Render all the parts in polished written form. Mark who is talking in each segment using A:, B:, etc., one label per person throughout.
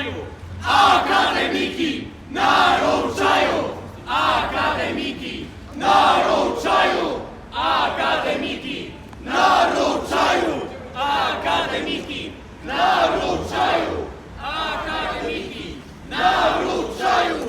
A: naruszają! Akademiki naruszają! Akademiki naruszają! Akademiki naruszają! Akademiki naruszają! Akademiki naruszają!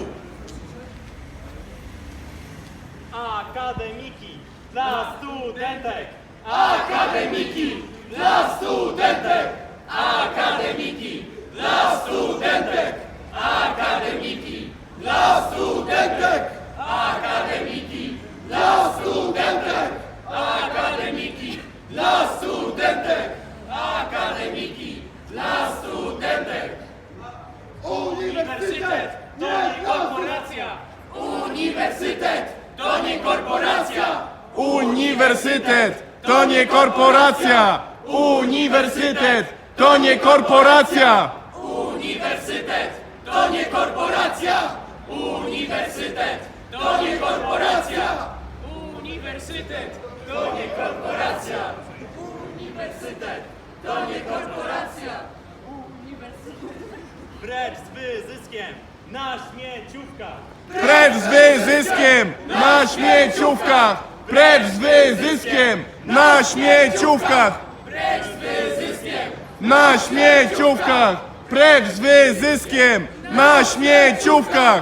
B: Akademiki dla studentek!
A: Akademiki dla studentek! Akademiki dla studentek! Akademiki dla studentek! Akademiki dla studentek! Akademiki dla studentek! Akademiki dla studentek!
B: Uniwersytet to nie korporacja!
A: Uniwersytet to nie korporacja!
C: Uniwersytet to nie korporacja! Uniwersytet to nie korporacja!
A: Uniwersytet to nie korporacja! Uniwersytet to nie korporacja! Uniwersytet to nie korporacja! Uniwersytet to nie korporacja!
B: Precz z wyzyskiem na śmieciówkach!
C: Precz z wyzyskiem na śmieciówkach! Precz z wyzyskiem na śmieciówkach!
A: Precz z wyzyskiem!
C: Na śmieciówkach! Precz z wyzyskiem na śmieciówkach!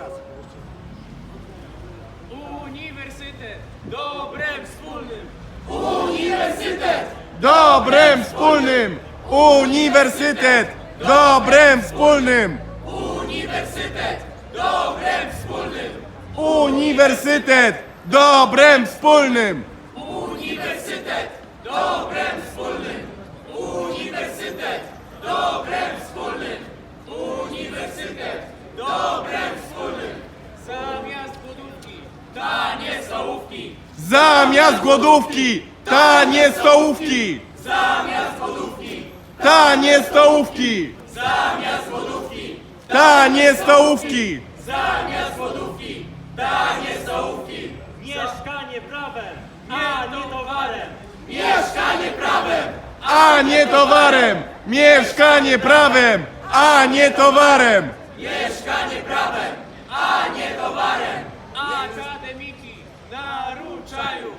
A: Uniwersytet dobrem wspólnym! Uniwersytet
C: Dobrem wspólnym! Uniwersytet dobrem wspólnym!
A: Uniwersytet dobrem wspólnym!
C: Uniwersytet dobrem wspólnym!
A: Uniwersytet dobrem wspólnym! Uniwersytet dobrem wspólnym! Uniwersytet dobrem wspólnym! Zamiast głodówki tanie stołówki!
C: Zamiast głodówki tanie stołówki!
A: Zamiast głodówki
C: Tanie stołówki!
A: zamiast głodówki!
C: Tanie stołówki!
A: Zamiast głodówki tanie stołówki!
B: Mieszkanie prawem, a nie towarem!
A: Mieszkanie prawem!
C: A nie towarem! Mieszkanie prawem! A nie towarem!
A: Mieszkanie prawem, a nie towarem! Akademiki naruszają!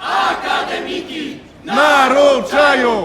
A: Akademiki
C: Naruszają!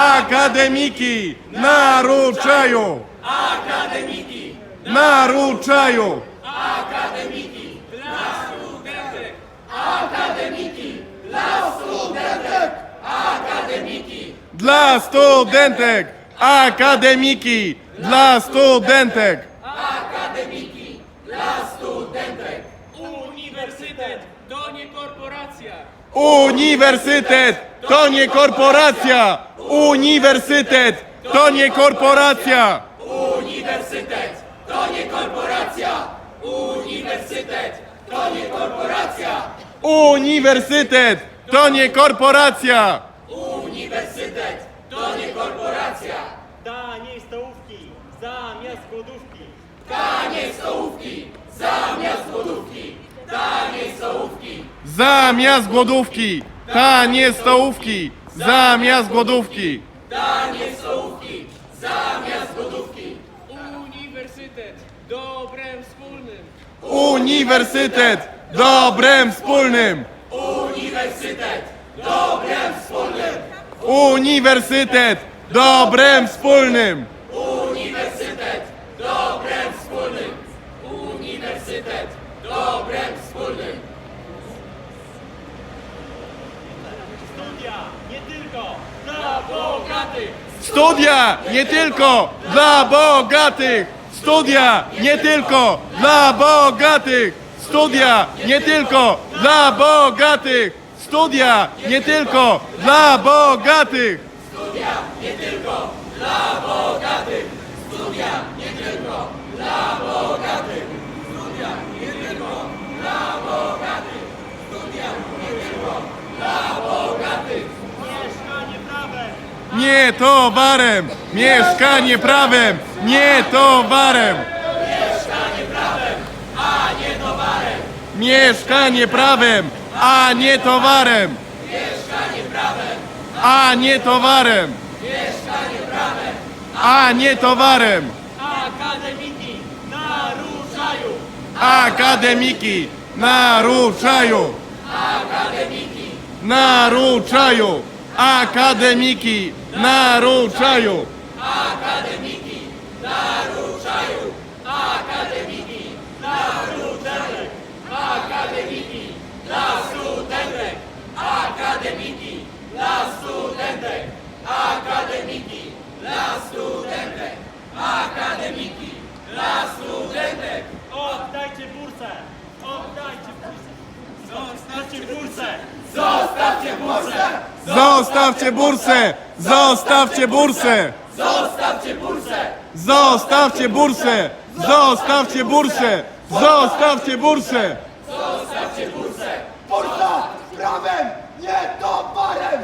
C: Akademiki naruszają!
A: Akademiki
C: Naruszają!
A: Akademiki dla studentek! Akademiki dla studentek! Akademiki
C: Dla studentek! Akademiki dla studentek!
A: Akademiki dla studentek! Uniwersytet to nie korporacja!
C: Uniwersytet to nie korporacja! Uniwersytet to nie korporacja!
A: Uniwersytet to nie korporacja! Uniwersytet to nie korporacja!
C: Uniwersytet to nie korporacja!
A: Uniwersytet to nie korporacja!
B: Taniej stołówki zamiast głodówki!
A: Taniej stołówki zamiast głodówki! Taniej stołówki!
C: Zamiast głodówki! Tanie stołówki! Zamiast głodówki!
A: Tanie stołówki zamiast głodówki! Uniwersytet dobrem wspólnym!
C: Uniwersytet dobrem wspólnym!
A: Uniwersytet dobrem wspólnym!
C: Uniwersytet dobrem wspólnym!
A: Uniwersytet dobrem wspólnym! Uniwersytet dobrem wspólnym!
B: Studia nie tylko dla bogatych!
C: Studia nie tylko dla bogatych! Studia nie tylko dla bogatych! Studia nie tylko dla bogatych! Studia nie tylko dla bogatych!
A: Studia nie tylko dla bogatych! Studia nie tylko dla bogatych! Studia nie tylko dla bogatych! Studia nie tylko dla bogatych!
B: Mieszkanie prawem!
C: Nie towarem! Mieszkanie prawem! Nie towarem!
A: Mieszkanie prawem, a nie towarem!
C: Mieszkanie prawem, a nie towarem!
A: Mieszkanie prawem,
C: A nie towarem!
A: mieszkanie prawem!
C: A nie towarem!
A: Akademiki
B: Akademiki naruszają!
C: Akademiki naruszają!
A: Akademiki,
C: Naruszają! Akademiki naruszają!
A: akademiki, naruszają. Akademiki,
B: Studenek!
A: akademiki, dla studentek. Akademiki, dla studentek. Akademiki, dla studentek. Akademiki, dla studentek.
B: Oddajcie bursę! Oddajcie bursę! Zostawcie bursę!
A: Zostawcie bursę!
C: Zostawcie bursę! Zostawcie bursę!
A: Zostawcie bursę!
C: Zostawcie bursę! Zostawcie bursę! Zostawcie bursę!
A: Zostawcie bursę!
D: Bursa prawem, nie towarem!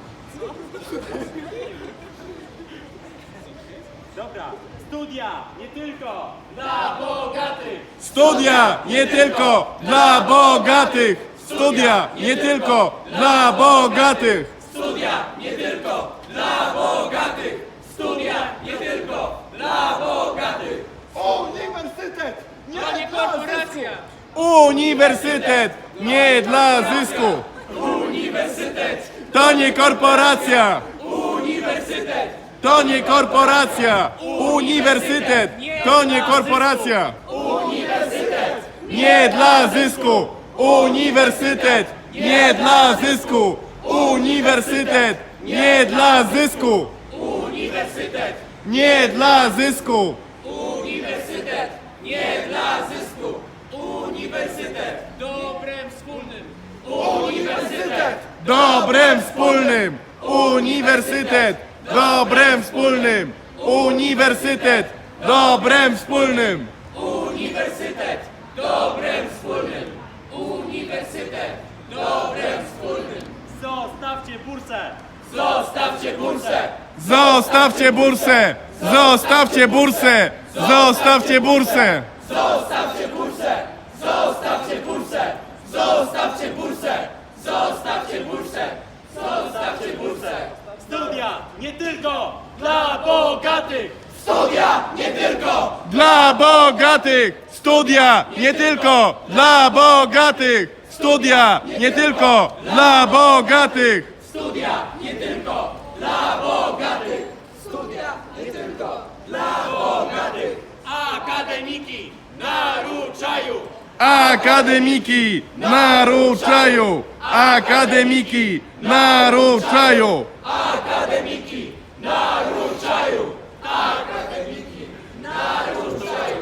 B: Dobra, studia nie tylko
A: Dla bogatych!
C: Studia nie tylko dla bogatych! Studia nie tylko dla bogatych!
A: Studia nie tylko dla bogatych! Studia nie tylko dla bogatych!
D: Uniwersytet, nie korporacja!
C: Uniwersytet nie dla zysku!
A: Uniwersytet!
C: To nie korporacja!
A: Uniwersytet!
C: To nie korporacja! Uniwersytet to nie korporacja!
A: Uniwersytet!
C: Nie dla zysku! Uniwersytet nie dla zysku! Uniwersytet nie dla zysku!
A: Uniwersytet!
C: Nie dla zysku!
A: Uniwersytet! Nie dla zysku! Uniwersytet! Dobrem wspólnym! Uniwersytet!
C: Dobrem wspólnym! Uniwersytet! Dobrem wspólnym! Uniwersytet! Dobrem wspólnym!
A: Uniwersytet! Dobrem wspólnym! Uniwersytet! Dobrem wspólnym!
B: zostawcie bursę!
A: Zostawcie bursę!
C: Zostawcie bursę! Zostawcie bursę! Zostawcie bursę!
A: Zostawcie bursę! Zostawcie bursę! Zostawcie bursę! Zostawcie bursę! Zostawcie bursę!
B: Studia nie tylko dla bogatych!
A: Studia nie tylko
C: Dla bogatych! Studia nie tylko dla bogatych! Studia nie tylko dla bogatych!
A: Studia nie tylko dla bogatych! Studia nie tylko dla bogatych!
B: Akademiki naruszają!
C: Akademiki naruszają! Akademiki naruszają!
A: Akademiki naruszają! Akademiki naruszają!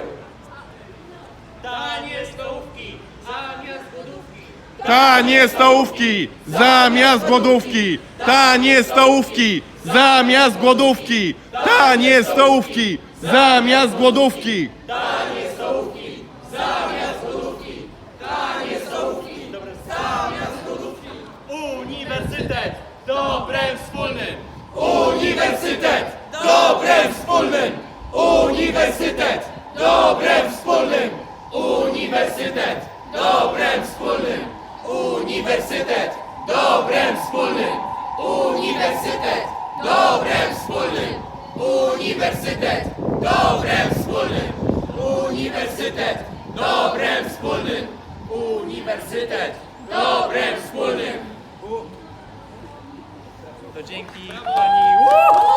B: Tanie stołówki zamiast głodówki!
C: Tanie stołówki zamiast głodówki! Tanie stołówki zamiast głodówki! Tanie stołówki zamiast głodówki!
A: Tanie stołówki zamiast głodówki! Tanie stołówki zamiast głodówki!
B: Uniwersytet dobrem wspólnym!
A: Uniwersytet dobrem wspólnym! Uniwersytet dobrem wspólnym! Uniwersytet dobrem wspólnym! Uniwersytet dobrem wspólnym! Uniwersytet dobrem wspólnym! Uniwersytet dobrem wspólnym! Uniwersytet dobrem wspólnym! Uniwersytet dobrem wspólnym!
B: To dzięki pani...